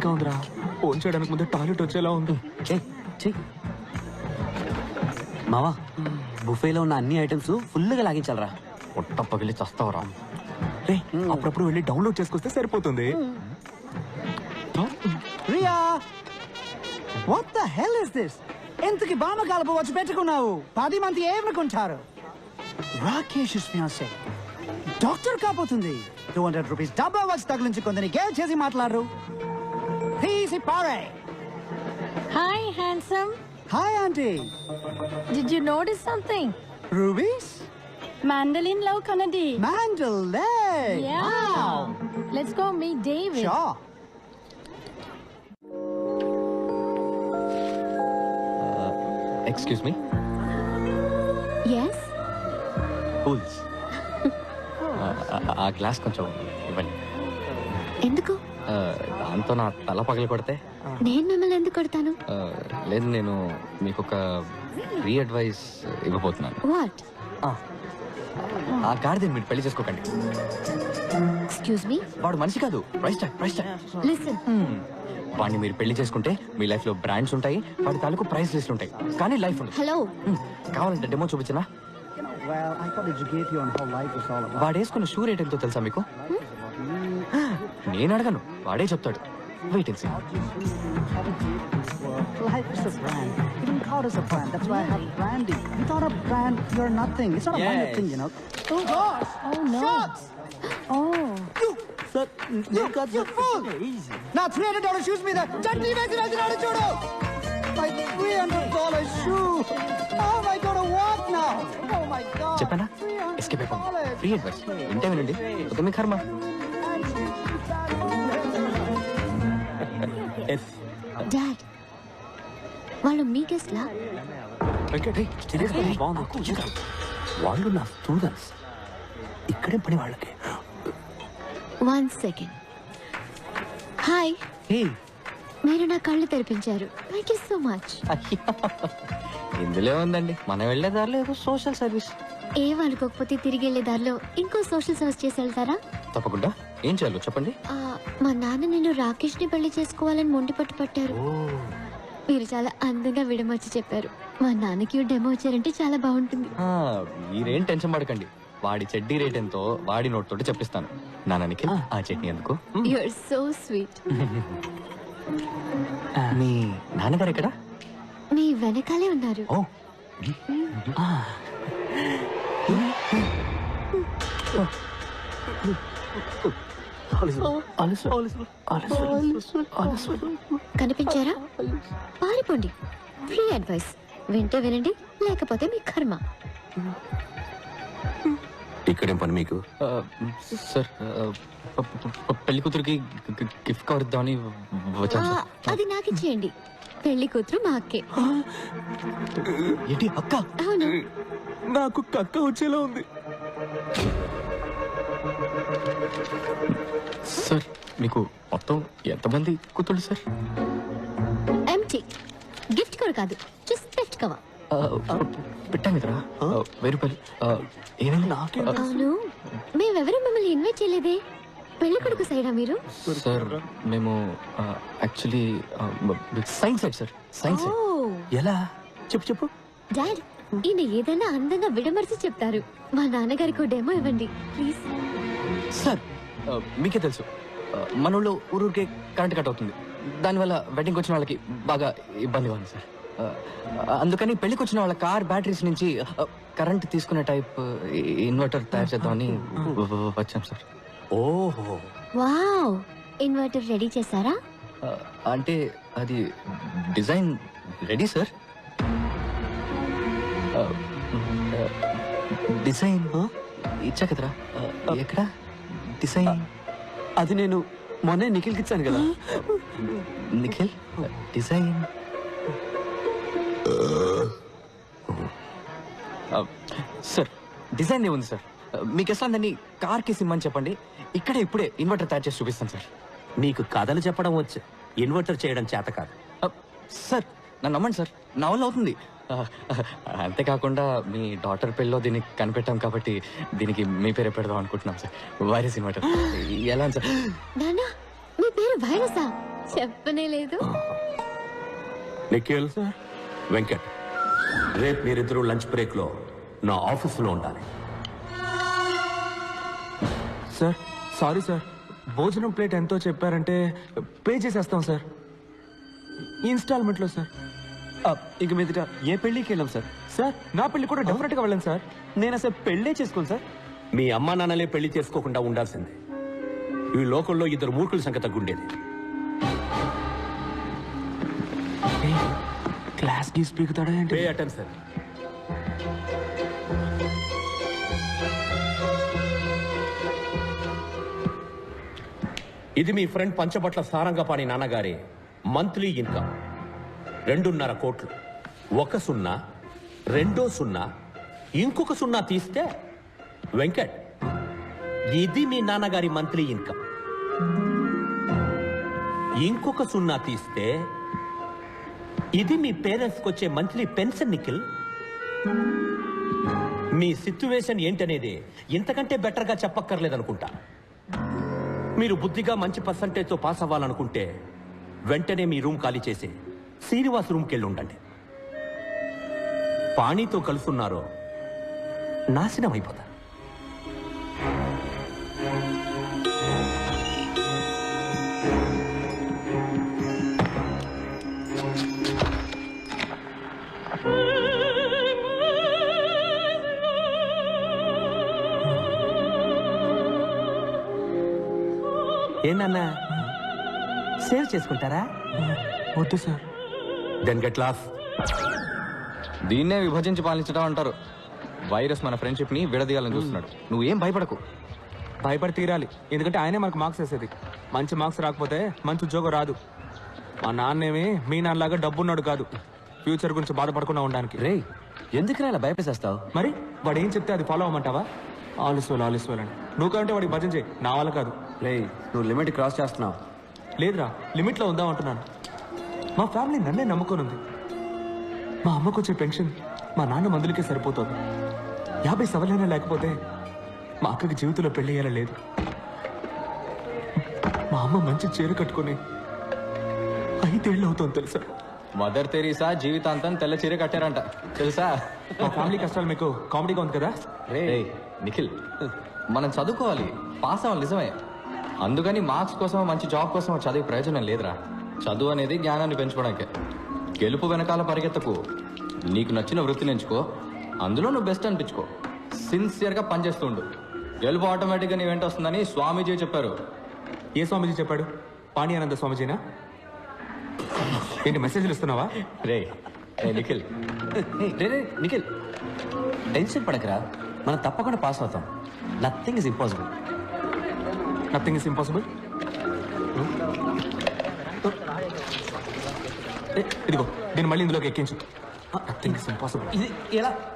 వేడిగా ఉందిరా. ఫోన్ చేయడానికి ముందే టాయిలెట్ వచ్చేలా ఉంది. మావా బుఫేలో ఉన్న అన్ని ఐటమ్స్ ఫుల్గా లాగించాలరా. పొట్ట పగిలి చస్తావరా. రే అప్పుడప్పుడు వెళ్ళి డౌన్లోడ్ చేసుకొస్తే సరిపోతుంది. Riya, what the hell is this? ఎంతకి బామ కలుపు వచ్చి పెట్టుకున్నావు? 10 మంది ఏమనుకుంటారు? రాకేష్ ఫియాన్సే డాక్టర్ కాబోతుంది. 200 రూపీస్ డబ్బా వచ్చి తగిలించుకుందని గేల్ చేసి మాట్లాడరు. ప్లీజ్ పారే. Hi, handsome. Hi aunty. Did you notice something? Rubies Mandolin Love Kanadi. Mandalay. Yeah. Wow. Let's go meet David. Sure. Excuse me. Yes. కూల్స్. ఆ గ్లాస్ కొంచెం ఇవ్వండి. ఎందుకు? దాంతో నా తల పగలు కొడితే. నేను మిమ్మల్ని ఎందుకు కొడతాను? లేదు, నేను మీకు ఒక ఫ్రీ అడ్వైస్ ఇవ్వబోతున్నాను. What? ఆ గాడిదని మీరు పెళ్లి చేసుకోకండి. Excuse me. వాడు మనిషి కాదు, ప్రైస్ ట్యాగ్. Listen. వాడిని మీరు పెళ్లి చేసుకుంటే మీ లైఫ్ లో బ్రాండ్స్ ఉంటాయి, వాడి తాలూకు ప్రైస్ లిస్ట్ ఉంటాయి, కానీ లైఫ్ ఉండదు. Hello. కావాలంటే డెమో చూపించనా? Well, I thought educate you on how life is all about. వాడు వేసుకున్న షూ రేట్ ఎంతో తెలుసా మీకు? నేను అడగను, వాడే చెప్తాడు. Wait and see. Life is a brand. Even God is a brand. That's why I have branding. Without a brand, you're nothing. It's not a branded thing, you know. Oh gosh! Oh no. Shots! Oh. You fool! Now $300 shoes మీద చట్నీ వేసి రాసినాడు చూడు. My $300 shoe. How am I going to walk now? Oh my God. చెప్పానా? Escape అయిపోయింది. Free advice వింటే వినండి, ఒక మీ కర్మ. Dad. వాళ్ళు మీ గెస్ట్ లా? వాళ్ళు నా స్టూడెంట్స్, ఇక్కడే పని వాళ్ళకి. 1 second. హాయ్. మీరు నా కళ్ళు తెరిపించారు. Thank you so much. ఇందులో ఉందండి, మనం వెళ్ళే దారిలో ఏదో సోషల్ సర్వీస్. ఏం అనుకోకపోతే తిరిగి వెళ్ళే దారిలో ఇంకో సోషల్ సర్వీస్ చేసి వెళ్తారా? తప్పకుండా. ఏం చేయాలో చెప్పండి. మా నాన్న నేను రాకేష్ ని పెళ్లి చేసుకోవాలని మొండి పట్టారు. మీరు చాలా అందంగా విడమర్చి చెప్పారు. మా నాన్నకి డెమో వచ్చారంటే చాలా బాగుంటుంది. మీరేం టెన్షన్ పడకండి, వాడి చెడ్డీ రేట్ ఎంతో వాడి నోట్ తోటి చెప్పిస్తాను. నాన్నకి ఆ చట్నీ ఎందుకు? You are so sweet. మీ నాన్నగారు ఎక్కడ? మీ వెనకాలే ఉన్నారు. ఓ కనిపించారా? పారిపోండి. ఫ్రీ అడ్వైస్ వింటే వినండి, లేకపోతే మీ కర్మ. ఇక్కడేం పని మీకు? సార్, పెళ్లి కూతురికి గిఫ్ట్ కవర్ ఇద్దామని వచ్చాను సార్. అది నాకు ఇచ్చేయండి. పెళ్లి కూతురు మా అక్కే. ఏంటి అక్క? అవును. నాకు కక్క వచ్చేలా ఉంది సార్. మీకు మొత్తం ఎంతమంది కూతుళ్ళు సార్? ఎంటీ. గిఫ్ట్ కవర్ కాదు, జస్ట్ గిఫ్ట్ కవర్. పెట్టాం కదరా, 1000 రూపాయలు. ఏమైంది? అవును, మేమెవరూ మిమ్మల్ని ఇన్వైట్ చేయలేదే. పెళ్లి కొడుకు సైడా మీరు? సార్ మేము actually science side sir. Science side. ఎలా? చెప్పు. డాడ్, ఈయన ఏదైనా అందంగా విడమర్చి చెప్తారు. మా నాన్నగారికి డెమో ఇవ్వండి ప్లీజ్. సార్ మీకే తెలుసు, మన ఊళ్ళో ఊరూరికే కరెంట్ కట్ అవుతుంది. దానివల్ల వెడ్డింగ్కి వచ్చిన వాళ్ళకి బాగా ఇబ్బందిగా ఉంది సార్. అందుకని పెళ్లికి వచ్చిన వాళ్ళ కార్ బ్యాటరీస్ నుంచి కరెంట్ తీసుకునే టైప్ ఇన్వర్టర్ తయారు చేద్దామని వచ్చాం సార్. ఓహో, వావ్. ఇన్వర్టర్ రెడీ చేశారా? అంటే అది డిజైన్ రెడీ సార్. డిజైన్ ఇచ్చా కదరా. ఎక్కడ డిజైన్? అది నేను మొన్నే నిఖిల్కి ఇచ్చాను కదా. Nikhil design sir. డిజైన్ ఏముంది సార్, మీకు ఎట్లా దాన్ని కార్కి సిమ్మని చెప్పండి, ఇక్కడే ఇప్పుడే ఇన్వర్టర్ తయారు చేసి చూపిస్తాను సార్. నీకు కథలు చెప్పడం వచ్చు, ఇన్వర్టర్ చేయడం చేత కాదు. సార్ నన్ను నమ్మండి సార్, నా వల్ల అవుతుంది. అంతేకాకుండా మీ డాటర్ పెళ్ళిలో దీన్ని కనిపెట్టాం కాబట్టి దీనికి మీ పేరే పెడదాం అనుకుంటున్నాం సార్. Virus inverter. ఎలా సార్? నానా, మీ పేరు వైరసా? చెప్పనే లేదు. నిఖిల్ వెంకట్, రేపు మీరిద్దరూ లంచ్ బ్రేక్ లో నా ఆఫీసులో ఉండాలి. సార్ సారీ సార్, భోజనం ప్లేట్ ఎంతో చెప్పారంటే పే చేసేస్తాం సార్, ఇన్స్టాల్మెంట్లో సార్. ఇక మీదట ఏ పెళ్ళికి వెళ్ళాం సార్. సార్ నా పెళ్లి కూడా డెఫినెట్గా వెళ్ళండి సార్. నేను అసలు పెళ్ళే చేసుకోను సార్. మీ అమ్మా నాన్నలే పెళ్లి చేసుకోకుండా ఉండాల్సిందే. ఈ లోకంలో ఇద్దరు మూర్ఖుల సంఖ్య తగ్గుండేది. క్లాస్ గీస్ పీకుతాడా పే ఏంటి? అటెన్షన్. ఇది మీ ఫ్రెండ్ పంచబట్ల సారంగపాణి నాన్నగారి మంత్లీ ఇన్కమ్ 2.5 కోట్లు. 1 సున్నా, 2 సున్నా, ఇంకొక సున్నా తీస్తే వెంకట్, ఇది మీ నాన్నగారి మంత్లీ ఇన్కమ్. ఇంకొక సున్నా తీస్తే ఇది మీ పేరెంట్స్కి వచ్చే మంత్లీ పెన్షన్. నిఖిల్, మీ సిచ్యువేషన్ ఏంటనేది ఇంతకంటే బెటర్గా చెప్పక్కర్లేదనుకుంటా. మీరు బుద్ధిగా మంచి పర్సంటేజ్తో పాస్ అవ్వాలనుకుంటే వెంటనే మీ రూమ్ ఖాళీ చేసి శ్రీనివాస్ రూమ్కి వెళ్ళి ఉండండి. పాణితో కలుసున్నారో నాశనం అయిపోతారు. ఏంటన్నా సేవ్ చేసుకుంటారా? వద్దు సార్. Then get lost. దీన్నే విభజించి పాలించడం అంటారు. వైరస్ మన ఫ్రెండ్షిప్ ని విడదీయాలని చూస్తున్నాడు. నువ్వేం భయపడకు. భయపడి తీరాలి, ఎందుకంటే ఆయనే మనకు మార్క్స్ వేసేది. మంచి మార్క్స్ రాకపోతే మంచి ఉద్యోగం రాదు. మా నాన్నేమి మీ నాన్నలాగా డబ్బున్నాడు కాదు, ఫ్యూచర్ గురించి బాధపడకుండా ఉండడానికి. రే ఎందుకు ఇలా భయపేసేస్తావు? మరి వాడు ఏం చెప్తే అది ఫాలో అవ్వమంటావా? ఆలస్వాలు అని నువ్వు కంటే వాడికి భజన చేయి, నా వల్ల కాదు. రే నువ్వు లిమిట్ క్రాస్ చేస్తున్నావు. లేదురా, లిమిట్లో ఉందాం అంటున్నాను. మా ఫ్యామిలీ నన్నే నమ్ముకొని ఉంది. మా అమ్మకు వచ్చే పెన్షన్ మా నాన్న మందులకే సరిపోతుంది. 50 సవలైనా లేకపోతే మా అక్కకి జీవితంలో పెళ్లి అయ్యేలా లేదు. మా అమ్మ మంచి చీర కట్టుకొని 5 ఏళ్ళు అవుతుంది తెలుసా? మదర్ తెరీసా జీవితాంతం తెల్ల చీర కట్టారంట తెలుసా? మా ఫ్యామిలీ కష్టాలు మీకు కామెడీగా ఉంది కదా? రే నిఖిల్, మనం చదువుకోవాలి, పాస్ అవ్వాలి నిజమే. అందుకని మార్క్స్ కోసం మంచి జాబ్ కోసం చదివే ప్రయోజనం లేదురా. చదువు అనేది జ్ఞానాన్ని పెంచుకోవడానికే. గెలుపు వెనకాల పరిగెత్తకు. నీకు నచ్చిన వృత్తిని ఎంచుకో, అందులో నువ్వు బెస్ట్ అనిపించుకో. సిన్సియర్గా పనిచేస్తూ ఉండు. గెలుపు ఆటోమేటిక్గా నీ వెంట వస్తుందని స్వామీజీ చెప్పారు. ఏ స్వామీజీ చెప్పాడు? పాణియానంద స్వామీజీనా? ఏంటి మెసేజ్లు ఇస్తున్నావా? రే నిఖిల్, రే నిఖిల్ టెన్షన్ పడకరా, మనం తప్పకుండా పాస్ అవుతాం. Nothing is impossible. Nothing is impossible. ఇదిగో దీన్ని మళ్ళీ ఇందులోకి ఎక్కించు. Nothing is impossible. ఇది ఎలా?